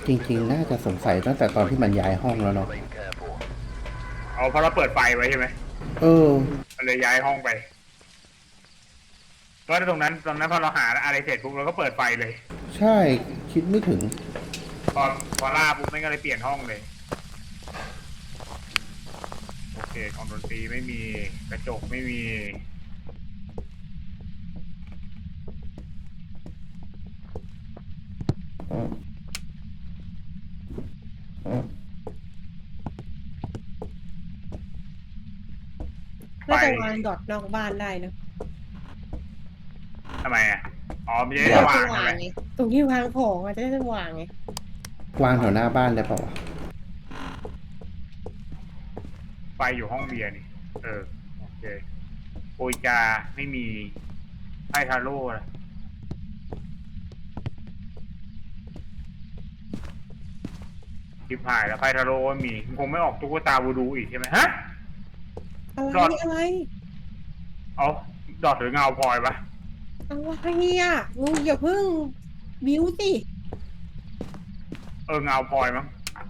จริงๆน่าจะสงสัยตั้งแต่ตอนที่มันย้ายห้องแล้วเนาะเอาเพราะเราเปิดไฟไว้ใช่ไหมเออมันเลยย้ายห้องไปเพราะตรงนั้นพอเราหาอะไรเสร็จปุ๊บเราก็เปิดไฟเลยใช่คิดไม่ถึงพอพอล่าปุ๊บไม่ก็เลยเปลี่ยนห้องเลยโอเคของดนตรีไม่มีกระจกไม่มีไฟน่าจะวางดอทนอกบ้านได้นะทำไมอ่ะอ๋อไม่ได้เพื่อสว่าจะงใช่ไหมวางไงตรงที่วางของอาจจะได้วางไงวางแถวหน้าบ้านได้เปล่าวะไฟอยู่ห้องเบียร์นี่เออโอเคโอยกาไม่มีไพ่ทาโร่นะทิพหายแล้วไพ่ทาโร่ก็มีคงไม่ออกตุ๊กตาวูดูอีกใช่ไหมฮะอะไรดอทอะไรเอาดอทหรือเงาพลอยปะอะไรอ่ะงูอย่าเพิ่งบิ้วสิเออเงาพลอยมั้ง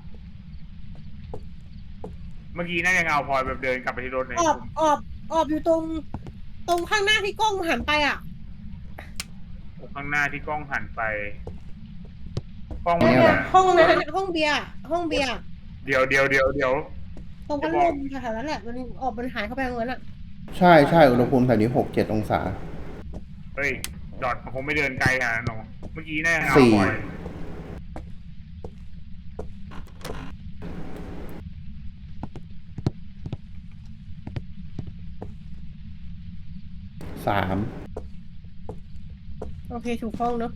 เมื่อกี้น่าจะเงาพลอยแบบเดินกลับไปที่รถเลยออบออบออบอยู่ตรงข้างหน้าที่กล้องหันไปอ่ะข้างหน้าที่กล้องหันไปกล้องมันเนี่ยเหรออยู่ไหนห้องนั้นห้องเบียร์ห้องเบียร์เดี๋ยวตรงพัดลจะบอกมแถวๆนั้นแหละมันออกมันหายเข้าไปตรงนั้นอ่ะใช่ใช่อุณหภูมิแถวนี้6-7 องศาเฮ้ยดอทมันคงไม่เดินไกลขนาดนั้นหรอกเมื่อกี้น่าจะเงาสี่พลอย 3 โอเคถูกห้องเนอะ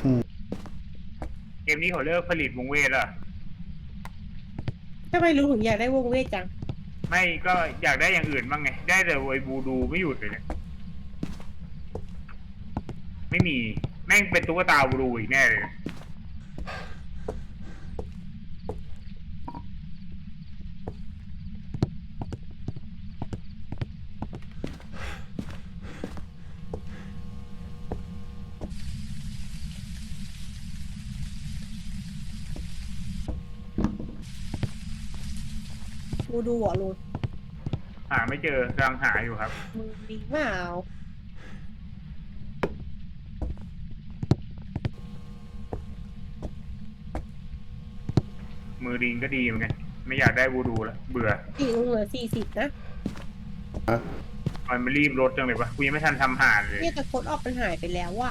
เกมนี้เขาเลิกผลิตวงเวทแล้วทำไมรู้ถึงอยากได้วงเวทจังไม่ก็อยากได้อย่างอื่นบ้างไงได้แต่ไอ้บูดูไม่หยุดเลยเนี่ยไม่มีแม่งเป็นตุ๊กตาบูดูอีกแน่เลยกูดูหัวลุงหาไม่เจอกำลังหาอยู่ครับมึงดีเปล่ามือดิงก็ดีเหมือนกันไม่อยากได้บูดูแล้วเบื่อสี่ลุงเหลือ40นะอะมันรีบลดจังเลยปะกูยังไม่ทันทำหารเลยเนี่ยแต่โค้ดออกมันหายไปแล้วอะ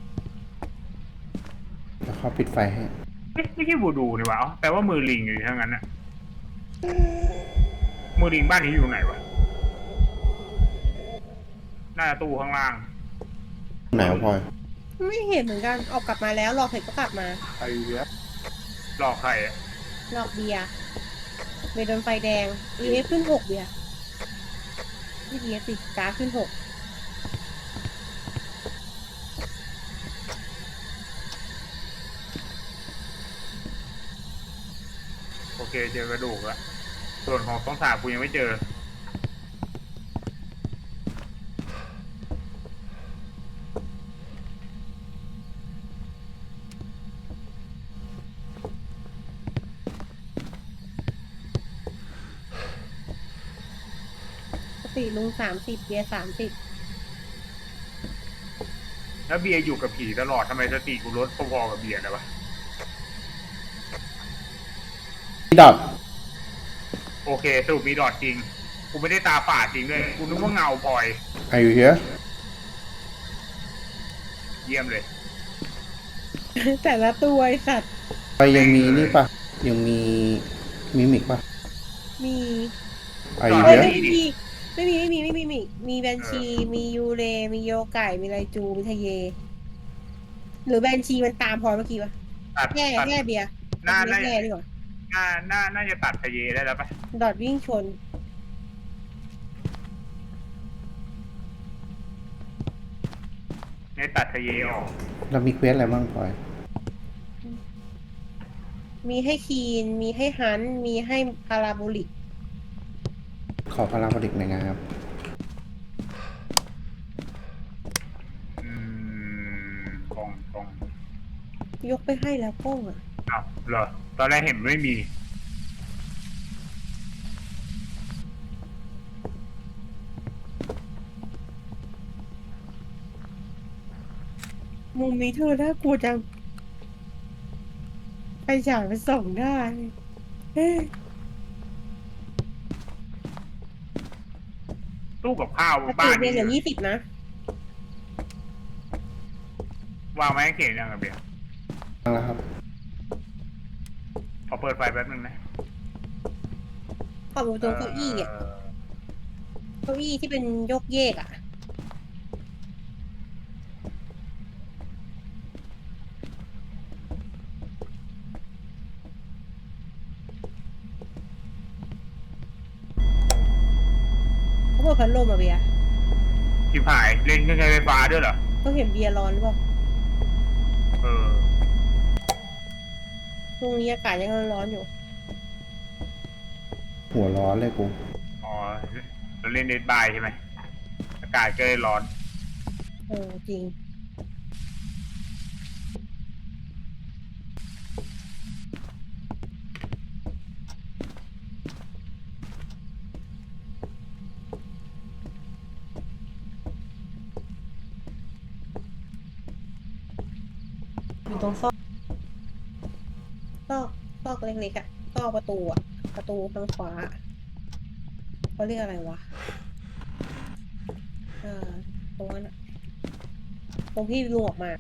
แล้วเขาปิดไฟให้ไม่ใช่บูดูนี่วะแปลว่ามือลิงอยู่ทั้งนั้นน่ะมือลิงบ้านนี้อยู่ไหนวะหน้าตู้ข้างล่างไหนวะพลอยไม่เห็นเหมือนกันออกกลับมาแล้วรอเสร็จก็กลับมาไอ้เหี้ยหลอกใครอ่ะหลอกเบียร์เบียร์โดนไฟแดง EF ขึ้น6เบียร์ไม่ EF สิกราฟขึ้น6 โอเคเจอกระดูกแล้วส่วนของต้องสาบกูยังไม่เจอปกติลุง30เบียร์30 แล้วเบียร์อยู่กับผีตลอดทำไมสติกูลดพอๆกับเบียร์นะวะพี่ดอทโอเคสรุปมีดอดจริงกูไม่ได้ตาฝาดจริงด้วยกูนึกว่าเงาพลอยอายุเฮียเยี่ยมเลยแต่ละตัวไอสัตว์ไปยังมีนี่ปะยังมีมิมิกปะมีอาดอดยุเฮียไม่มีแบนชีมียูเรมีโยไก่มีไรจูมีทะเยหรือแบนชีมันตามพอเมื่อกี้วะตัดแย่ตัดแย่เบียร์น่าไม่น่าแย่ดีกว่าน่าจะตัดทะเยได้แล้วปะดอดวิ่งชนเนี่ยตัดทะเยออกเรามีเควสอะไรบ้างพลอยมีให้คีนมีให้ฮันมีให้พาราโบลิกขอพาราโบลิกหน่อยนะครับกล่องยกไปให้แล้วกล้องอ่ะอ้าวเหรอตอนแรกเห็นไม่มีมุมนี้เธอน่ากลัวจังไปฉายไปส่องได้เอ๊ะตู้กับข้าวสติบ้านเบียนี้ร์เหลือ20นะวางไว้ให้เขียนยังไงเบียร์ฟังแล้วครับขอเปิดไฟแป๊บนึงนะขอบตรงเก้าอี้อ่ะเก้าอี้ที่เป็นยกเยกอ่ะเขาเปิดพัดลมอ่ะเบียร์ชิบหายเล่นเครื่องใช้ไฟฟ้าด้วยเหรอก็เห็นเบียร์ร้อนหรือเปล่าเออตรงนี้อากาศยังร้อนอยู่หัวร้อนเลยกูอ๋อเราเล่นเดดบายใช่ไหมอากาศก็เลยร้อนจริงอยู่ตรงซอกเล็กๆอ่ะซอกประตูอ่ะ ประตูทางขวาเขาเรียกอะไรวะตรงนั้นอะตรงที่ลุงออกมา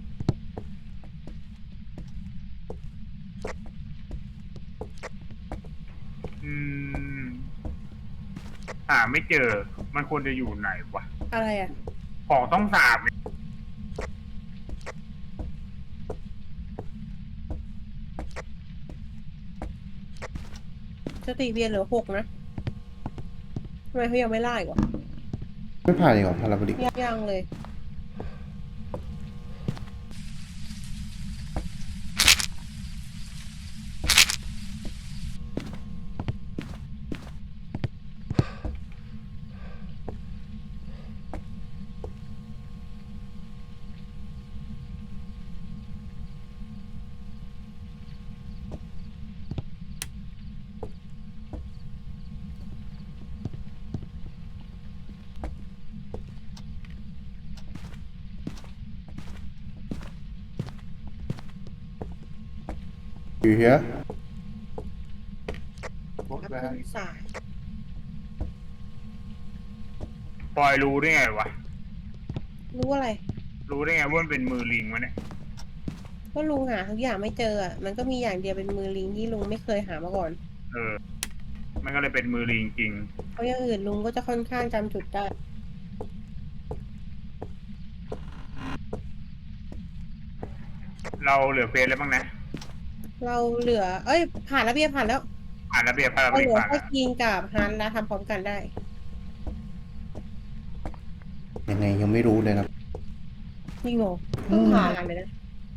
อืมหาไม่เจอ มันควรจะอยู่ไหนวะอะไรอ่ะของต้องสาบเนี่ยสติเบียร์เหลือ6นะทำไมเขายังไม่ไล่วะไม่ผ่านอีกเหรอพาราโบลิกยังเลยอยู่เฮียสายปล่อยรู้ได้ไงวะรู้อะไรรู้ได้ไงว่ามันเป็นมือลิงวะเนี่ยก็ลุงหาทุกอย่างไม่เจออ่ะ มันก็มีอย่างเดียวเป็นมือลิงที่ลุงไม่เคยหามาก่อนเออ มันก็เลยเป็นมือลิงจริงเพราะอย่างอื่นลุงก็จะค่อนข้างจำจุดได้เราเหลือเฟสแล้วบ้างนะเราเหลือ เอ้ย ผ่านแล้วเบียร์ผ่านแล้วผ่านระเบียบพาราโบเราลิเหกลือผ่านแค่แล้วกินกับฮันแล้วทำพร้อมกันได้ยังไงยังไม่รู้เลยนะจริงเหรอเพิ่งผ่านเลยนะ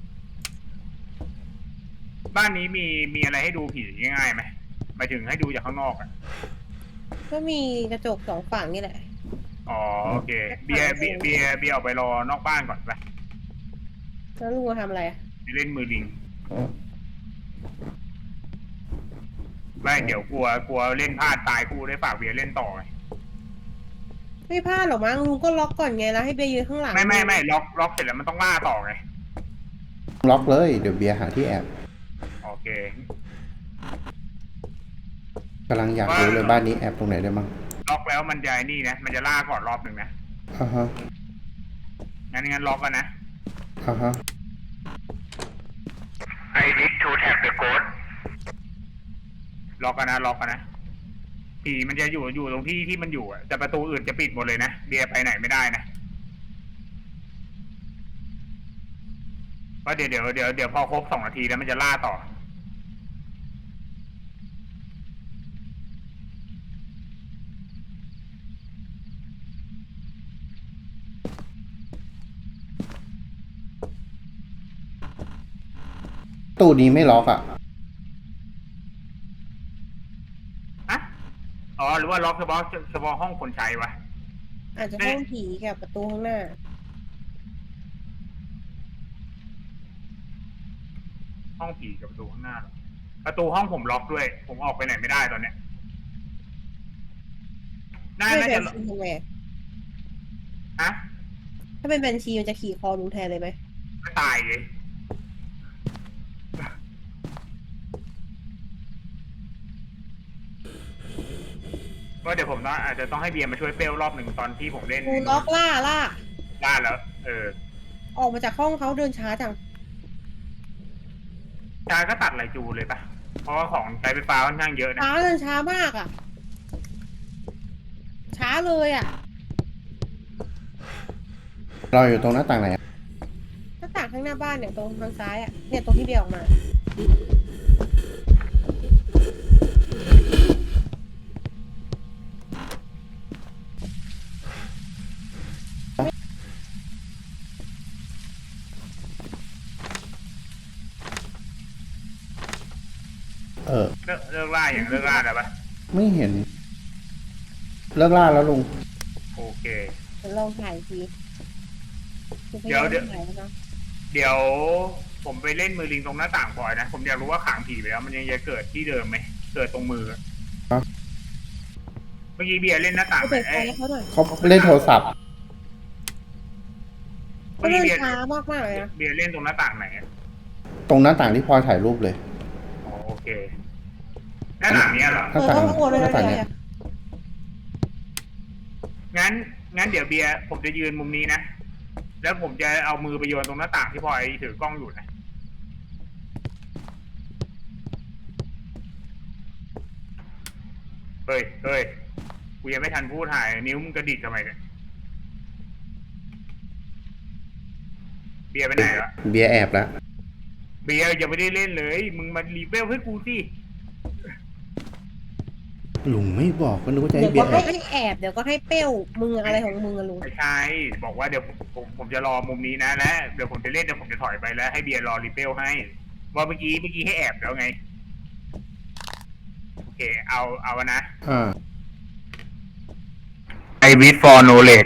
บ้านนี้มีอะไรให้ดูผีง่ายๆไหมหมายถึงให้ดูจากข้างนอกอ่ะก็มีกระจก2 ฝั่งนี่แหละอ๋อโอเค เบียร์ออกไปรอนอกบ้านก่อนไปแล้วลุงมาทำอะไรอ่ะไปเล่นมือลิง ไม่เดี๋ยวกลัวเล่นพลาดตายกูได้ฝากเบียร์เล่นต่อไงไม่พลาดหรอกมั้งลุงก็ล็อกก่อนไงแล้วให้เบียร์ยืนข้างหลังไม่ล็อกเสร็จแล้วมันต้องล่าต่อไงล็อกเลยเดี๋ยวเบียร์หาที่แอบโอเคกำลังอยากรู้เลยบ้านนี้แอบตรงไหนได้บ้างล็อกแล้วมันจะไอ้นี่นะมันจะล่าก่อนรอบหนึ่งนะอ่าฮะงั้นล็อกกันนะอ่าฮะ I need to tap the code ล็อกกันนะผีมันจะอยู่ตรงที่มันอยู่อ่ะแต่ประตูอื่นจะปิดหมดเลยนะเบียร์ไปไหนไม่ได้นะเพราะเดี๋ยวพอครบ2 นาทีแล้วมันจะล่าต่อตู้นี้ไม่ล็อกอ่ะฮะ อ๋อ หรือว่าล็อกเฉพาะห้องคนใช้วะอาจจะห้องผีกับประตูข้างหน้าหห้องผีกับประตูข้างหน้าเหรอประตูห้องผมล็อกด้วย ผมออกไปไหนไม่ได้ตอนเนี้ยน่าถ้าเป็นจะแบนชีทำไงฮะถ้าเป็นแบนชีมันจะขี่คอลุงแทนเลยไหมก็ตายเลยว่าเดี๋ยวผมต้องอาจจะต้องให้เบียร์มาช่วยเปลรอบหนึ่งตอนที่ผมเล่นกูล็อกล่าบ้านแล้วออกมาจากห้องเขาเดินช้าจังชายก็ตัดไหลจูเลยปะเพราะว่าของใช้ไฟฟ้าค่อนข้างเยอะนะช้าเดินช้ามากอ่ะ ช้าเลยอ่ะเราอยู่ตรงหน้าต่างไหนอะหน้าต่างข้างหน้าบ้านเนี่ยตรงทางซ้ายอ่ะเนี่ยตรงที่เบียร์ออกมาเลิกล่าอย่างเลิกล่าแล้วปะไม่เห็น เลิกล่าแล้วลุงโอเคเดี๋ยวลองถ่ายอีกทีกูพเดี๋ยายยวามถ่ายแล้วนะเดี๋ยวผมไปเล่นมือลิงตรงหน้าต่างพลอยนะ ผมอยากรู้ว่าขังผีไปแล้วมันยังจะเกิดที่เดิมไหมเกิดตรงมือครับเมื่อกี้เบียร์เล่นหน้าต่างกูไหมเปิดไฟให้เขาหน่อยเขาเล่นโทรศัพท์เขาเมื่อเดิกี้นเบียร์ช้ามากมากๆเลยนะเบียร์เล่นตรงหน้าต่างไหนอะตรงหน้าต่างที่พลอยถ่ายรูปเลยอ๋อโอเคหน้าต่างเนี้ยเหรอหน้าต่างเขาโกรธเลยหนะน้าต่างเบีเนี่ยยร์งั้นเดี๋ยวเบียร์ผมจะยืนมุมนี้นะ แล้วผมจะเอามือไปโยนตรงหน้าต่างที่พลอยถือกล้องอยู่นะ เฮ้ย กูยังไม่ทันพูดถ่าย นิ้วมึงกระดิกทำไมเนี่ย เบียร์ไปไหนละเบียร์แอบแล้วเบียร์ยังไม่ได้เล่นเลย มึงมารีเบลให้กูสิลุงไม่บอกก็นึกว่าจะเดี๋ให้ยวเบีก็ยร์แอให้บแอบเดี๋ยวก็ให้เป้วมึงอะไรของมึงอะลุงไม่ใช่ บอกว่าเดี๋ยวผมจะรอมุมนี้นะและเดี๋ยวผมจะเล่นเดี๋ยวผมจะถอยไปแล้วให้เบียร์รอรีเบลให้ ว่าเมื่อกี้ให้แอบแล้วไง โอเค เอานะอ่าไอวิดฟอร์โนเลด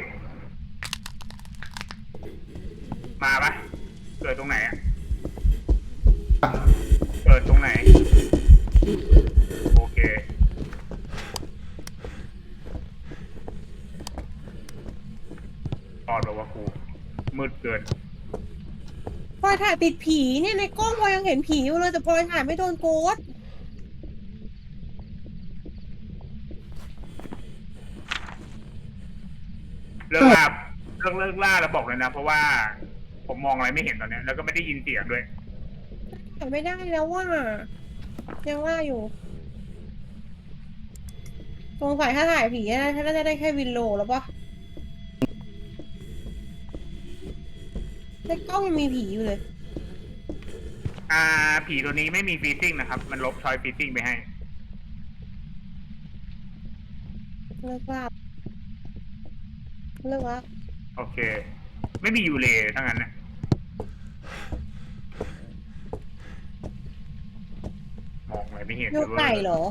มาปะเกิดตรงไหนอะเกิดตรงไหน โอเคตอดบอกว่าครูมืดเกินพลอยถ่ายติดผีเนี่ยในกล้องพลอยยังเห็นผีอยู่เลยแต่พลอยถ่ายไม่โดนโกดเลิกล่าเลิกล่าแล้วบอกเลยนะ เพราะว่าผมมองอะไรไม่เห็นตอนเนี้ยแล้วก็ไม่ได้ยินเสียงด้วยถ่ายไม่ได้แล้วว่ายังว่าอยู่สงสัยถ้าถ่ายผีน่าจะได้แค่วินโลแล้วปะในกล้องยังมีผีอยู่เลยผีตัวนี้ไม่มีฟีซิ่งนะครับ มันลบชอยฟีซิ่งไปให้เลิกว่าเลิกว่าโอเค ไม่มียูเลทั้งนั้นนะมองอะไรไม่เห็นโยไก่เหรอ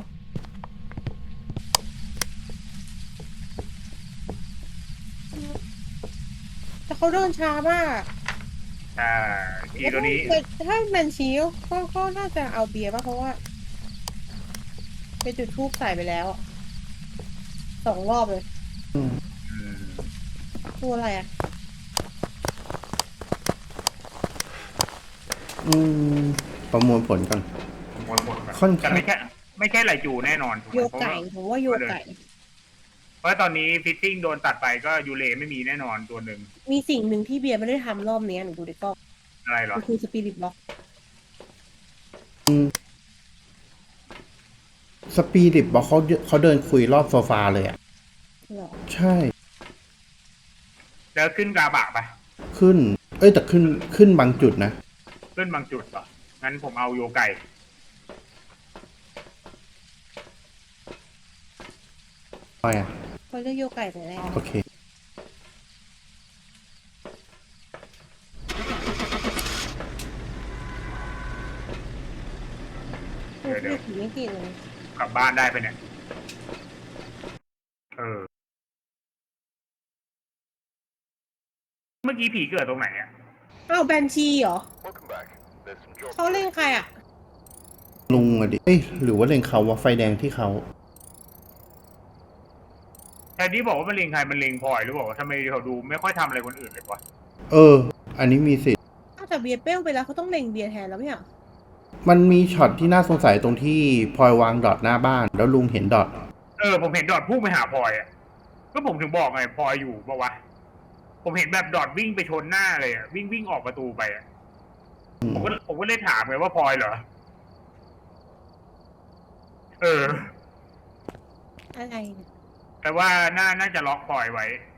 แต่เขาเดินช้ามากใช่ผีตัวนี้แต่ถ้าแมนชีก็น่าจะเอาเบียร์ป่ะเพราะว่าไปจุดทูบใส่ไปแล้วอะ2 รอบเลยอืมอืมตัวอะไรอ่ะอืมประมวลผลก่อนหมดแบบค่อนแต่ข้างไม่ใช่ไหลจูแน่นอนถูกไหมโยไก่ผมว่าโยไก่เพราะตอนนี้ฟิตติ้งโดนตัดไปก็ยูเลไม่มีแน่นอนตัวหนึ่งมีสิ่งหนึ่งที่เบียร์ไม่ได้ทำรอบนี้หนูดูในกล้องอะไรเหรอมันคือสปิริตบ็อกอืมสปีดิบบอกเขาเดินคุยรอบโซฟาเลยอ่ะเหรอใช่แล้วขึ้นกาบะปะขึ้น เอ้ยแต่ขึ้นบางจุดนะขึ้นบางจุดปะงั้นผมเอาโยไก่ไปอ่ะเขาเรียกโยไก่แต่แรกโอเคเดี๋ยวผีไม่ติดเลยกลับบ้านได้ไปเนี่ย เมื่อกี้ผีเกิดตรงไหนอ่ะอ้าวแบนชีเหรอ Welcome back. There's some jobs. เขาเล่นใครอ่ะลุงอะดิเอ้ยหรือว่าเล็งเขาว่าไฟแดงที่เขาแทนที่บอกว่ามันเลงใครมันเลงพลอยหรือเปล่าทำไมเขาดูไม่ค่อยทำอะไรคนอื่นเลยวะอันนี้มีสิทธิ์นอกจากเบียร์เป้งไปแล้วเขาต้องเล็งเบียร์แทนแล้วไม่เหรอมันมีช็อตที่น่าสงสัยตรงที่พลอยวางดอทหน้าบ้าน แล้วลุงเห็นดอทผมเห็นดอทพุ่งไปหาพลอยอ่ะก็ผมถึงบอกไงพลอยอยู่ปะวะผมเห็นแบบดอทวิ่งไปชนหน้าเลยอ่ะวิ่งออกประตูไปอ่ะผมก็เลยถามไงว่าพลอยเหรออะไรเนี่ยแต่ว่าน่าจะล็อกพลอยไว้